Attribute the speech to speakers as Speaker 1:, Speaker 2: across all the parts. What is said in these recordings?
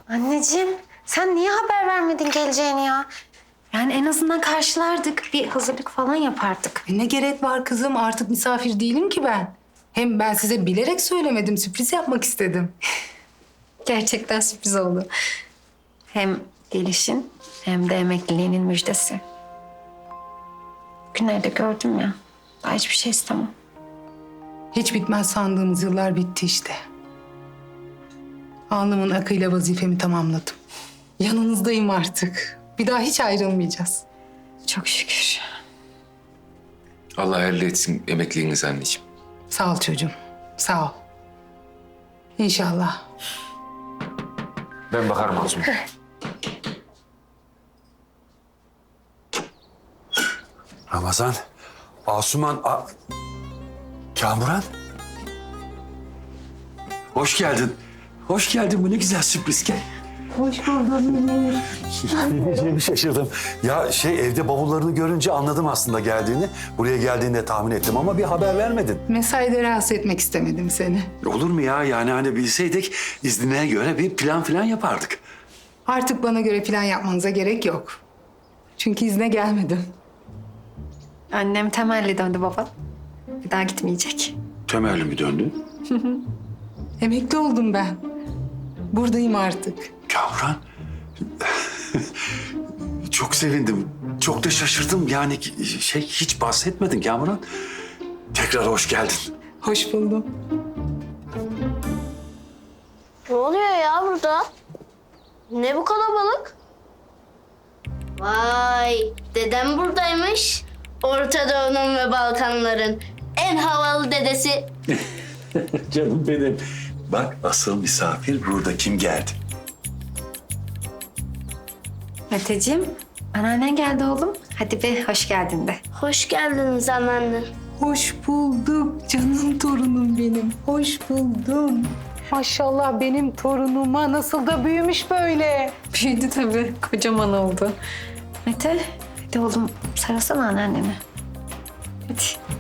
Speaker 1: Anneciğim sen niye haber vermedin geleceğini ya? Yani en azından karşılardık. Bir hazırlık falan yapardık.
Speaker 2: Ne gerek var kızım? Artık misafir değilim ki ben. Hem ben size bilerek söylemedim. Sürpriz yapmak istedim.
Speaker 1: Gerçekten sürpriz oldu. Hem gelişin hem de emekliliğinin müjdesi. Günlerde gördüm ya. Daha hiçbir şey istemem.
Speaker 2: Hiç bitmez sandığımız yıllar bitti işte. Alnımın akıyla vazifemi tamamladım. Yanınızdayım artık. Bir daha hiç ayrılmayacağız.
Speaker 1: Çok şükür.
Speaker 3: Allah hayırlı etsin emekliliğinizi anneciğim.
Speaker 2: Sağ ol çocuğum. Sağ ol. İnşallah.
Speaker 3: Ben bakarım Asuman.
Speaker 4: Ramazan, Asuman, Kamuran. Hoş geldin. Hoş geldin. Bu ne güzel sürpriz. Gel.
Speaker 2: Hoş buldum.
Speaker 4: Ne diyeceğimi şaşırdım. Ya evde bavullarını görünce anladım aslında geldiğini. Buraya geldiğini de tahmin ettim ama bir haber vermedin.
Speaker 2: Mesaide rahatsız etmek istemedim seni.
Speaker 4: Olur mu ya? Yani hani bilseydik iznine göre bir plan falan yapardık.
Speaker 2: Artık bana göre plan yapmanıza gerek yok. Çünkü izne gelmedim.
Speaker 1: Annem temelli döndü baba. Bir daha gitmeyecek.
Speaker 4: Temelli mi döndün?
Speaker 2: Emekli oldum ben. Buradayım artık.
Speaker 4: Kamuran. Çok sevindim. Çok da şaşırdım. Yani hiç bahsetmedin Kamuran. Tekrar hoş geldin.
Speaker 2: Hoş buldum.
Speaker 5: Ne oluyor ya burada? Ne bu kalabalık? Vay, dedem buradaymış. Orta Doğu'nun ve Balkanların en havalı dedesi.
Speaker 4: Canım benim. Bak asıl misafir burada kim geldi?
Speaker 1: Meteciğim, anneannen geldi oğlum. Hadi bir hoş geldin de.
Speaker 5: Hoş geldiniz anneanne.
Speaker 2: Hoş bulduk canım torunum benim. Hoş buldum. Maşallah benim torunuma nasıl da büyümüş böyle.
Speaker 1: Büyüdü tabii. Kocaman oldu. Mete, hadi oğlum sarılsana anneannene. Hadi.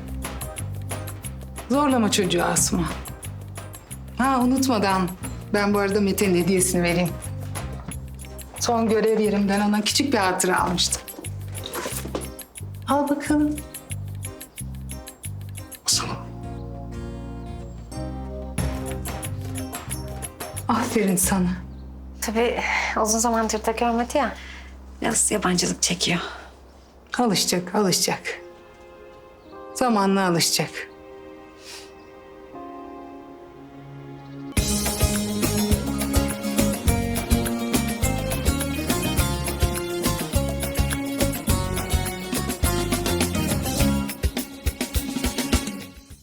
Speaker 2: Zorlama çocuğu Asuman. Ha unutmadan ben bu arada Mete'nin hediyesini vereyim. Son görev yerimden ona küçük bir hatıra almıştım. Al bakalım.
Speaker 4: Sana.
Speaker 2: Aferin sana.
Speaker 1: Tabii uzun zamandır da görmedi ya. Biraz yabancılık çekiyor.
Speaker 2: Alışacak, alışacak. Zamanla alışacak.